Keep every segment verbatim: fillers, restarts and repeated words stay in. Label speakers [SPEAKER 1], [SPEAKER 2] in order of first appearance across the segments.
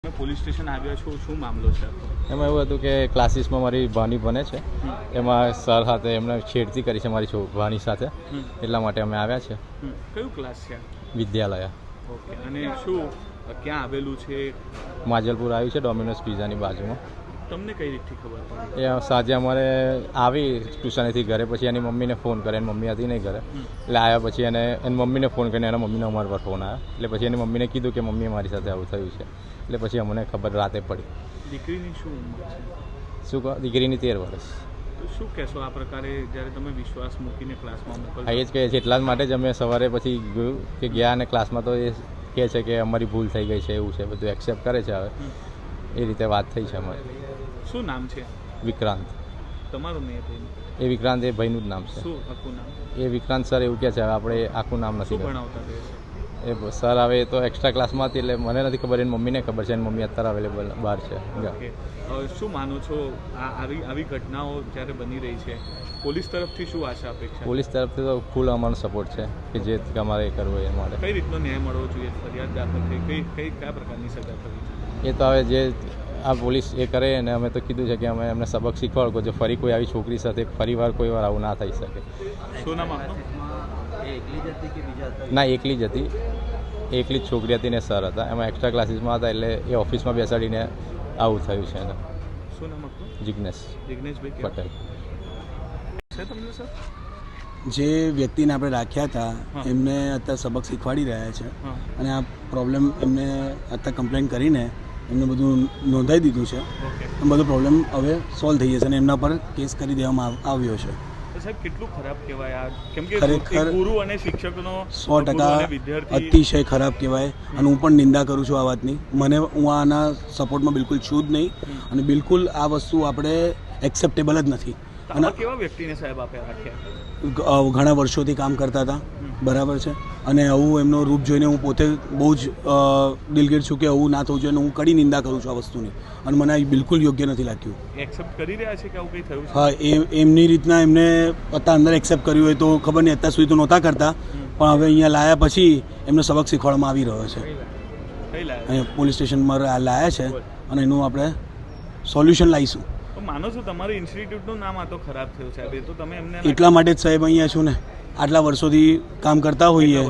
[SPEAKER 1] Police station આવ્યા છો, શું મામલો છે?
[SPEAKER 2] એમાં એવું હતું કે ક્લાસીસમાં મારી ભાણી બને છે, એમાં સર સાથે એમને છેડતી કરી છે મારી છો ભાણી સાથે, એટલા માટે અમે આવ્યા છે.
[SPEAKER 1] કયું ક્લાસ છે?
[SPEAKER 2] વિદ્યાલય.
[SPEAKER 1] ઓકે. અને શું ક્યાં આવેલું છે?
[SPEAKER 2] માજલપુર આવ્યું છે, ડોમિનોઝ પિઝાની બાજુમાં.
[SPEAKER 1] તમને કઈ રીતથી ખબર પડી?
[SPEAKER 2] એ સાંજે અમારે આવી ટ્યુશનેથી ઘરે, પછી એની મમ્મીને ફોન કરે, એની મમ્મી હતી નહીં ઘરે, એટલે આવ્યા પછી એને એની મમ્મીને ફોન કરીને એના મમ્મીને અમારા પર ફોન આવ્યો, એટલે પછી એની મમ્મીને કીધું કે મમ્મી મારી સાથે આવું થયું છે, એટલે પછી અમને ખબર રાતે પડી.
[SPEAKER 1] દીકરીની શું ઉંમર છે?
[SPEAKER 2] શું કહો? દીકરીની તેર વર્ષ.
[SPEAKER 1] તો શું કહેશો આ પ્રકારે જ્યારે તમે વિશ્વાસ મૂકીને ક્લાસમાં મોકલો?
[SPEAKER 2] હા, એ જ કહે છે, એટલા જ માટે જ અમે સવારે પછી ગયું કે ગયા અને ક્લાસમાં તો એ કહે છે કે અમારી ભૂલ થઈ ગઈ છે, એવું છે, બધું એક્સેપ્ટ કરે છે. હવે એ રીતે વાત થઈ છે અમારી.
[SPEAKER 1] શું નામ છે?
[SPEAKER 2] વિક્રાંત.
[SPEAKER 1] તમારું નહીં ભાઈ?
[SPEAKER 2] એ વિક્રાંત એ ભાઈનું જ નામ છે.
[SPEAKER 1] શું આખું નામ? એ
[SPEAKER 2] વિક્રાંત સર એવું કહે છે, હવે આપણે આખું નામ નથી
[SPEAKER 1] ભણાવતા
[SPEAKER 2] એ સર. હવે એ તો એક્સ્ટ્રા ક્લાસમાં હતી એટલે મને નથી ખબર, એની મમ્મીને ખબર છે, એની મમ્મી અત્યારે અવેલેબલ બહાર છે.
[SPEAKER 1] શું માનો છો આવી આવી ઘટનાઓ જ્યારે બની રહી છે, પોલીસ તરફથી શું આશા અપેક્ષા?
[SPEAKER 2] પોલીસ તરફથી તો ફૂલ અમારો સપોર્ટ છે કે જે અમારે કરવું હોય એ માટે.
[SPEAKER 1] કઈ રીતનો ન્યાય મળવો જોઈએ? ફરિયાદ દાખલ થઈ કઈ કઈ કયા પ્રકારની સજા થવી જોઈએ?
[SPEAKER 2] એ તો હવે જે આ પોલીસ એ કરે, અને અમે તો કીધું છે કે અમે એમને સબક શીખવાડો જો ફરી કોઈ આવી છોકરી સાથે ફરી વાર કોઈ વાર આવું ના થઈ શકે.
[SPEAKER 1] શું નામ આપનું?
[SPEAKER 2] ના, એકલી જ હતી, એકલી જ છોકરી હતી ને સર હતા, એમાં એક્સ્ટ્રા ક્લાસીસમાં હતા, એટલે એ ઓફિસમાં બેસાડીને આવું થયું છે એને.
[SPEAKER 1] શું નામ આપનું?
[SPEAKER 2] જિગ્નેશ
[SPEAKER 1] જિગ્નેશભાઈ
[SPEAKER 2] પટેલ.
[SPEAKER 1] છે તમને સર?
[SPEAKER 3] જે વ્યક્તિને આપણે રાખ્યા હતા એમને અત્યારે સબક શીખવાડી રહ્યા છે, અને આ પ્રોબ્લેમ એમને અત્યારે કમ્પ્લેન કરીને એમને બધું નોંધાઈ દીધું છે. બધો પ્રોબ્લેમ હવે સોલ્વ થઈ જશે અને એમના પર કેસ કરી દેવામાં આવ્યો છે.
[SPEAKER 1] સાહેબ, કેટલું ખરાબ કહેવાય આ? કેમ કે
[SPEAKER 3] ખરેખર
[SPEAKER 1] ગુરુ અને શિક્ષકનો
[SPEAKER 3] સો ટકા અતિશય ખરાબ કહેવાય, અને હું પણ નિંદા કરું છું આ વાતની. મને હું આના સપોર્ટમાં બિલકુલ છું જ નહીં, અને બિલકુલ આ વસ્તુ આપણે એક્સેપ્ટેબલ જ નથી.
[SPEAKER 1] અને કેવા વ્યક્તિને સાહેબ આપ્યા રાખ્યા?
[SPEAKER 3] ઘણા વર્ષોથી કામ કરતા હતા, બરાબર છે, અને આવું એમનો રૂપ જોઈને હું પોતે બહુ જ દિલગીર છું કે આવું ના થવું જોઈએ, અને હું કડી નિંદા કરું છું આ વસ્તુની, અને મને આ બિલકુલ યોગ્ય નથી લાગ્યું.
[SPEAKER 1] એક્સેપ્ટ કરી રહ્યા છે કે આવું કંઈ થયું છે?
[SPEAKER 3] હા, એ એમની રીતના એમને અત્યારે અંદર એક્સેપ્ટ કર્યું હોય તો ખબર નહીં, અત્યાર સુધી તો નહોતા કરતા, પણ હવે અહીંયા લાયા પછી એમને સબક શીખવાડવામાં આવી રહ્યો છે. અહીંયા પોલીસ સ્ટેશનમાં લાયા છે, અને એનું આપણે સોલ્યુશન લાવીશું.
[SPEAKER 1] માનો છો તમારી ઇન્સ્ટિટ્યૂટનું નામ આ તો ખરાબ થયું સાહેબ? એ તો તમે એમને
[SPEAKER 3] એટલા માટે જ સાહેબ અહીંયા છું ને, આટલા વર્ષોથી કામ કરતા હોઈએ.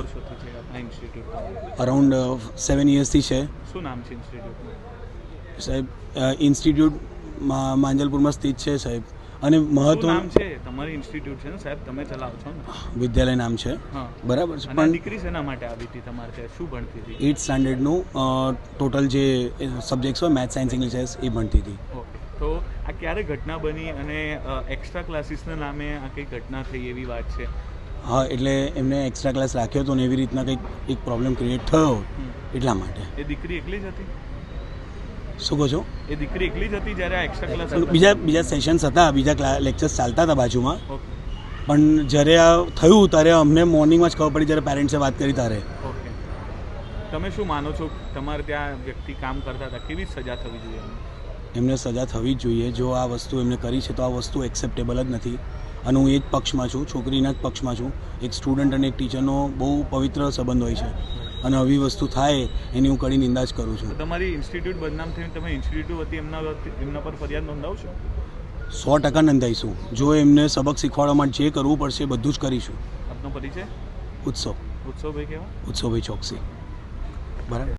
[SPEAKER 3] અરાઉન્ડ સેવન યર્સથી છે.
[SPEAKER 1] શું નામ છે ઇન્સ્ટિટ્યૂટનું?
[SPEAKER 3] સાહેબ, ઇન્સ્ટિટ્યૂટ માંજલપુરમાં સ્થિત છે સાહેબ, અને મહત્વ
[SPEAKER 1] નામ છે તમારી ઇન્સ્ટિટ્યૂટ છે ને સાહેબ, તમે ચલાવો છો ને?
[SPEAKER 3] વિદ્યાલય નામ છે, બરાબર છે.
[SPEAKER 1] પણ દીકરી શેના માટે આવી હતી તમારે ત્યાં? શું ભણતી હતી?
[SPEAKER 3] એઇટ સ્ટાન્ડર્ડનું ટોટલ જે સબ્જેક્ટ્સ હોય, મેથ્સ, સાયન્સ, ઇંગ્લિશ, એ ભણતી હતી.
[SPEAKER 1] તો આ ક્યારે ઘટના બની, અને એક્સ્ટ્રા ક્લાસીસના નામે આ કઈ ઘટના થઈ એવી વાત છે?
[SPEAKER 3] હા, એટલે એમને એક્સ્ટ્રા ક્લાસ રાખ્યો હતો ને એવી રીતના કંઈક એક પ્રોબ્લેમ ક્રિએટ થયો, એટલા માટે.
[SPEAKER 1] એ દીકરી એકલી જ હતી?
[SPEAKER 3] શું કહો છો?
[SPEAKER 1] એ દીકરી એકલી જ હતી જ્યારે આ એક્સ્ટ્રા ક્લાસ?
[SPEAKER 3] બીજા બીજા સેશન્સ હતા, બીજા લેક્ચર્સ ચાલતા હતા બાજુમાં, પણ જ્યારે આ થયું ત્યારે અમને મોર્નિંગમાં જ ખબર પડી, જ્યારે પેરેન્ટ્સે વાત કરી ત્યારે.
[SPEAKER 1] ઓકે. તમે શું માનો છો, તમારે ત્યાં વ્યક્તિ કામ કરતા હતા, કેવી સજા થવી જોઈએ?
[SPEAKER 3] એમને સજા થવી જ જોઈએ. જો આ વસ્તુ એમને કરી છે તો આ વસ્તુ એક્સેપ્ટેબલ જ નથી, અને હું એ જ પક્ષમાં છું, છોકરીના જ પક્ષમાં છું. એક સ્ટુડન્ટ અને એક ટીચરનો બહુ પવિત્ર સંબંધ હોય છે, અને આવી વસ્તુ થાય એની હું કડી નિંદા જ કરું છું.
[SPEAKER 1] તમારી ઇન્સ્ટિટ્યૂટ બદનામ થઈને તમે ઇન્સ્ટિટ્યૂટ વતી એમના એમના પર ફરિયાદ નોંધાવશો?
[SPEAKER 3] સો ટકા નોંધાઈશું. જો એમને સબક શીખવાડવા માટે જે કરવું પડશે એ બધું જ કરીશું.
[SPEAKER 1] આપનો પરિચય?
[SPEAKER 3] ઉત્સવ.
[SPEAKER 1] ઉત્સવભાઈ કેવા?
[SPEAKER 3] ઉત્સવભાઈ ચોકસી. બરાબર.